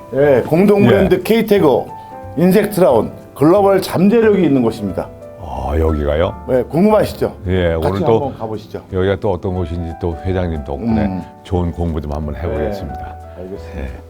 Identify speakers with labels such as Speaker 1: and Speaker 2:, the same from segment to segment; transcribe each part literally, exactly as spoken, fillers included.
Speaker 1: 예, 공동 브랜드
Speaker 2: 예.
Speaker 1: K태거 인섹트라운 글로벌 잠재력이 있는 곳입니다.
Speaker 2: 아, 여기가요?
Speaker 1: 예, 궁금하시죠?
Speaker 2: 예,
Speaker 1: 같이
Speaker 2: 오늘 또
Speaker 1: 한번 가보시죠.
Speaker 2: 여기가 또 어떤 곳인지 또 회장님 덕분에
Speaker 1: 음.
Speaker 2: 좋은 공부 좀 한번 해보겠습니다.
Speaker 1: 알겠습니다.
Speaker 2: 예.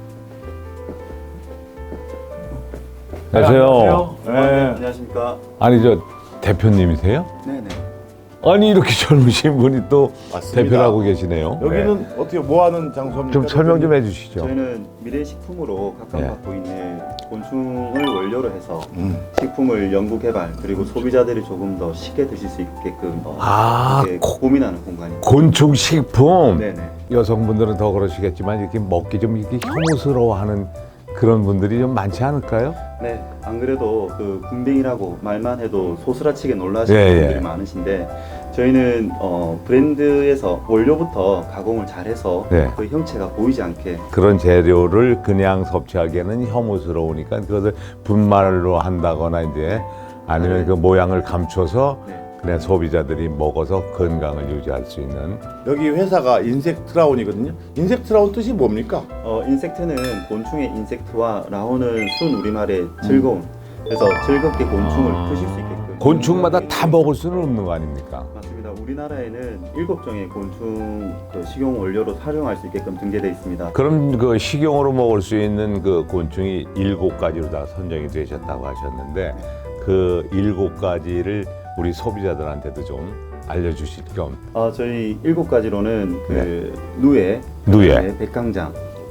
Speaker 2: 안녕하세요.
Speaker 1: 네.
Speaker 3: 안녕하십니까.
Speaker 2: 아니 저 대표님이세요?
Speaker 3: 네네.
Speaker 2: 아니 이렇게 젊으신 분이 또
Speaker 1: 맞습니다.
Speaker 2: 대표를 하고 계시네요.
Speaker 1: 여기는
Speaker 2: 네.
Speaker 1: 어떻게 뭐 하는 장소입니까?
Speaker 2: 좀 설명 좀 해주시죠.
Speaker 3: 저희는 미래식품으로 각광받고
Speaker 2: 네.
Speaker 3: 있는 곤충을 원료로 해서
Speaker 1: 음.
Speaker 3: 식품을 연구 개발 그리고 소비자들이 조금 더 쉽게 드실 수 있게끔 어,
Speaker 2: 아,
Speaker 3: 이렇게
Speaker 2: 고-
Speaker 3: 고민하는 공간입니다.
Speaker 2: 곤충 식품.
Speaker 3: 네네.
Speaker 2: 여성분들은 더 그러시겠지만 이렇게 먹기 좀 이렇게 혐오스러워하는 그런 분들이 좀 많지 않을까요?
Speaker 3: 네. 안 그래도 그 군뱅이라고 말만 해도 소스라치게 놀라시는
Speaker 2: 예, 예.
Speaker 3: 분들이 많으신데 저희는 어, 브랜드에서 원료부터 가공을 잘해서
Speaker 2: 네.
Speaker 3: 그 형체가 보이지 않게
Speaker 2: 그런 재료를 그냥 섭취하기에는 혐오스러우니까 그것을 분말로 한다거나 이제 아니면
Speaker 3: 네.
Speaker 2: 그 모양을 감춰서
Speaker 3: 네.
Speaker 2: 그냥 소비자들이 먹어서 건강을 유지할 수 있는.
Speaker 1: 여기 회사가 인섹트라운이거든요. 인섹트라운 뜻이 뭡니까?
Speaker 3: 어, 인섹트는 곤충의 인섹트와 라운은 순 우리말의 즐거움. 그래서 즐겁게 곤충을
Speaker 2: 아.
Speaker 3: 드실 수 있게끔.
Speaker 2: 곤충마다 다 먹을 수는 없는 거 아닙니까?
Speaker 3: 맞습니다. 우리나라에는 일곱 종의 곤충 그 식용 원료로 활용할 수 있게끔 등재되어 있습니다.
Speaker 2: 그럼 그 식용으로 먹을 수 있는 그 곤충이 일곱 가지로 다 선정이 되셨다고 하셨는데 그 일곱 가지를 우리 소비자들한테도 좀 알려주실 겸.
Speaker 3: 어, 저희 일곱 가지로는 그 누에,
Speaker 2: 누에.
Speaker 3: 그다음에 백강장,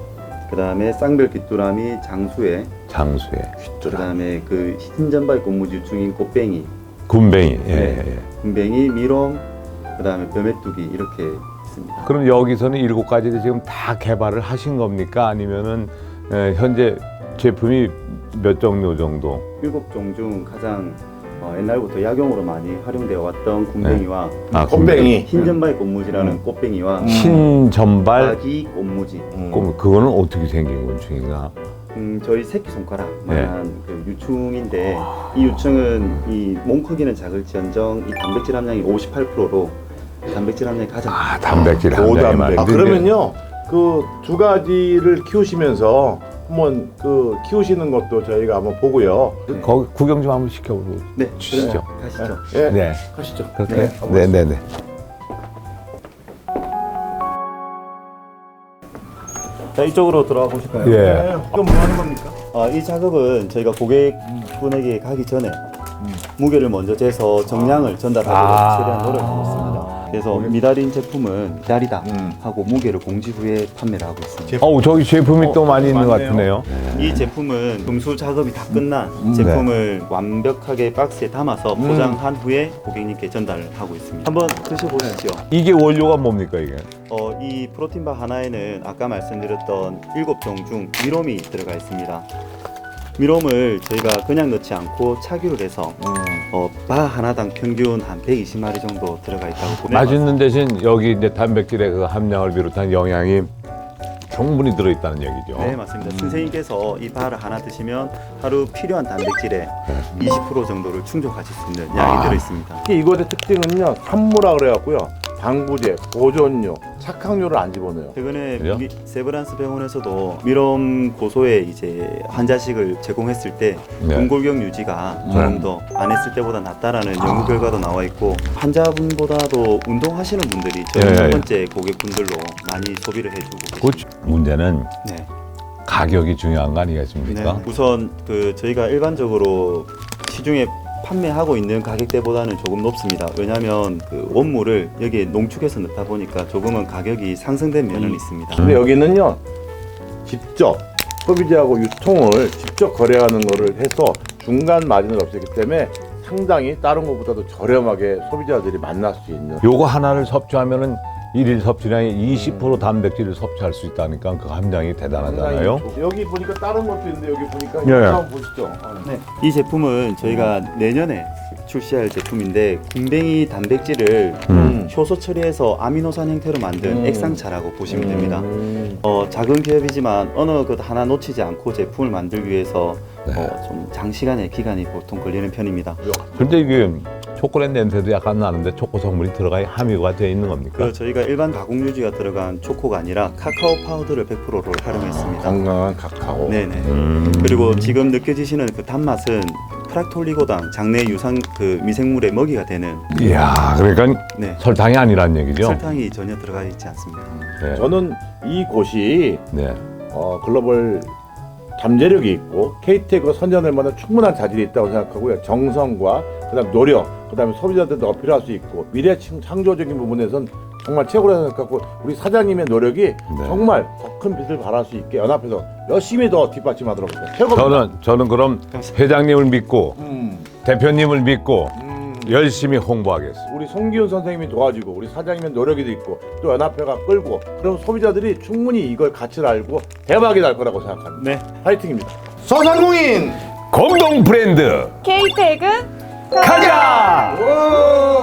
Speaker 3: 그다음에 쌍별 귀뚜라미, 장수에,
Speaker 2: 장수에,
Speaker 3: 그다음에 그 흰전발 꽃무지 유충인 꽃뱅이,
Speaker 2: 군뱅이. 예,
Speaker 3: 네.
Speaker 2: 예.
Speaker 3: 군뱅이, 미롱, 그다음에 벼메뚜기 이렇게 있습니다.
Speaker 2: 그럼 여기서는 일곱 가지를 지금 다 개발을 하신 겁니까? 아니면은 에, 현재 제품이 몇 종류 정도?
Speaker 3: 일곱 종 중 가장 어, 옛날부터 약용으로 많이 활용되어 왔던 군뱅이와
Speaker 2: 아,
Speaker 1: 꽃뱅이.
Speaker 3: 흰전발 꽃무지라는
Speaker 1: 음.
Speaker 3: 꽃뱅이와
Speaker 2: 흰전발.
Speaker 3: 아기 꽃무지.
Speaker 1: 음.
Speaker 2: 그- 그거는 어떻게 생긴 곤충인가?
Speaker 3: 음, 저희 새끼 손가락만한
Speaker 2: 네.
Speaker 3: 그 유충인데 이 유충은 이 몸 크기는 작을지언정 이 단백질 함량이 오십팔 퍼센트로 단백질 함량이 가장
Speaker 2: 아, 단백질 함량이
Speaker 1: 고단백.
Speaker 2: 많은데.
Speaker 1: 아, 그러면요, 그 두 가지를 키우시면서 한번 그 키우시는 것도 저희가 한번 보고요.
Speaker 3: 네.
Speaker 2: 거기 구경 좀 한번 시켜보고
Speaker 3: 네,
Speaker 2: 주시죠.
Speaker 3: 그럼 가시죠.
Speaker 1: 예,
Speaker 2: 네.
Speaker 1: 가시죠.
Speaker 2: 그렇게.
Speaker 3: 네,
Speaker 2: 네, 네, 네.
Speaker 3: 자, 이쪽으로 들어가 보실까요?
Speaker 2: 예.
Speaker 1: 네, 이건 뭐 하는 겁니까?
Speaker 3: 아, 이 작업은 저희가 고객분에게 가기 전에 무게를 먼저 재서 정량을 전달하도록
Speaker 2: 아.
Speaker 3: 최대한 노력하고 있습니다. 그래서 미달인 제품은 미달이다
Speaker 1: 음.
Speaker 3: 하고 무게를 공지 후에 판매를 하고 있습니다.
Speaker 2: 어우, 저기 제품이
Speaker 1: 어,
Speaker 2: 또 많이 있는 것
Speaker 1: 많네요.
Speaker 2: 같으네요.
Speaker 3: 이 제품은 금수 작업이 다 끝난
Speaker 1: 음.
Speaker 3: 제품을 완벽하게 박스에 담아서
Speaker 1: 음.
Speaker 3: 포장한 후에 고객님께 전달을 하고 있습니다. 한번 드셔보시죠.
Speaker 2: 이게 원료가 뭡니까, 이게?
Speaker 3: 어, 이 프로틴바 하나에는 아까 말씀드렸던 일곱 종 중 미롬이 들어가 있습니다. 미롬을 저희가 그냥 넣지 않고 착유를 해서
Speaker 1: 음.
Speaker 3: 어, 바 하나당 평균 한 백이십 마리 정도 들어가 있다고 보면
Speaker 2: 맛있는 대신 여기 이제 단백질의 그 함량을 비롯한 영양이 충분히 들어있다는 얘기죠.
Speaker 3: 네, 맞습니다. 선생님께서 이 바를 하나 드시면 하루 필요한 단백질의 이십 퍼센트 정도를 충족하실 수 있는 양이
Speaker 1: 아.
Speaker 3: 들어 있습니다.
Speaker 1: 특히 이것의 특징은요, 산무라 그래갖고요, 당부제, 보존료, 착항료를 안 집어넣어요.
Speaker 3: 최근에
Speaker 2: 그죠?
Speaker 3: 미- 세브란스 병원에서도 미롬 고소에 이제 환자식을 제공했을 때
Speaker 2: 네.
Speaker 3: 근골격 유지가 조금 더 안 했을 때보다 낫다라는 연구 결과도 나와 있고 환자분보다도 운동하시는 분들이 저희
Speaker 2: 예,
Speaker 3: 첫
Speaker 2: 예.
Speaker 3: 번째 고객분들로 많이 소비를 해주고
Speaker 2: 그
Speaker 3: 계십니다.
Speaker 2: 문제는
Speaker 3: 네.
Speaker 2: 가격이 중요한 거 아니겠습니까?
Speaker 3: 네. 우선 그 저희가 일반적으로 시중에 판매하고 있는 가격대보다는 조금 높습니다. 왜냐하면 그 원물을 여기에 농축해서 넣다 보니까 조금은 가격이 상승된 면은
Speaker 1: 음.
Speaker 3: 있습니다.
Speaker 1: 근데 여기는요, 직접 소비자하고 유통을 직접 거래하는 거를 해서 중간 마진을 없애기 때문에 상당히 다른 것보다도 저렴하게 소비자들이 만날 수 있는.
Speaker 2: 요거 하나를 섭취하면은 일일 섭취량의 이십 퍼센트 단백질을 섭취할 수 있다니까 그 함량이 대단하잖아요.
Speaker 1: 상당히 여기 보니까 다른 것도 있는데 여기 보니까
Speaker 2: 예, 예.
Speaker 1: 이거 한번 보시죠.
Speaker 3: 네, 이 제품은 저희가 내년에 출시할 제품인데 군뱅이 단백질을
Speaker 2: 음.
Speaker 3: 효소 처리해서 아미노산 형태로 만든
Speaker 1: 음.
Speaker 3: 액상차라고 보시면 됩니다.
Speaker 1: 음.
Speaker 3: 어, 작은 기업이지만 어느 것 하나 놓치지 않고 제품을 만들기 위해서
Speaker 2: 네.
Speaker 3: 어, 좀 장시간의 기간이 보통 걸리는 편입니다.
Speaker 2: 근데 이게 초콜릿 냄새도 약간 나는데 초코 성분이 들어가 함유가 되어 있는 겁니까?
Speaker 3: 그 저희가 일반 가공 유지가 들어간 초코가 아니라 카카오 파우더를 백 퍼센트를 활용했습니다.
Speaker 1: 건강한 카카오.
Speaker 3: 네네.
Speaker 2: 음.
Speaker 3: 그리고 지금 느껴지시는 그 단맛은 프락톨리고당 장내 유상 그 미생물의 먹이가 되는
Speaker 2: 이야, 그러니까
Speaker 3: 네.
Speaker 2: 설탕이 아니란 얘기죠?
Speaker 3: 설탕이 전혀 들어가 있지 않습니다.
Speaker 2: 네.
Speaker 1: 저는 이곳이
Speaker 2: 네.
Speaker 1: 어, 글로벌 잠재력이 있고 케이티엑과 선전할 만한 충분한 자질이 있다고 생각하고요. 정성과 그다음 노력, 그다음에 소비자들도 어필할 수 있고 미래 창- 창조적인 부분에선 정말 최고라고 생각하고 우리 사장님의 노력이 정말 더 큰 빛을 발할 수 있게 연합해서 열심히 더 뒷받침하도록 하겠습니다. 최고입니다.
Speaker 2: 저는 저는 그럼 회장님을 믿고
Speaker 1: 음,
Speaker 2: 대표님을 믿고
Speaker 1: 음,
Speaker 2: 열심히 홍보하겠습니다.
Speaker 1: 우리 송기훈 선생님이 도와주고 우리 사장님의 노력이 있고 또 연합회가 끌고 그럼 소비자들이 충분히 이걸 가치를 알고 대박이 날 거라고 생각합니다.
Speaker 3: 네.
Speaker 1: 파이팅입니다. 소상공인
Speaker 2: 공동 브랜드
Speaker 4: 케이태그
Speaker 2: 가자!
Speaker 1: 오!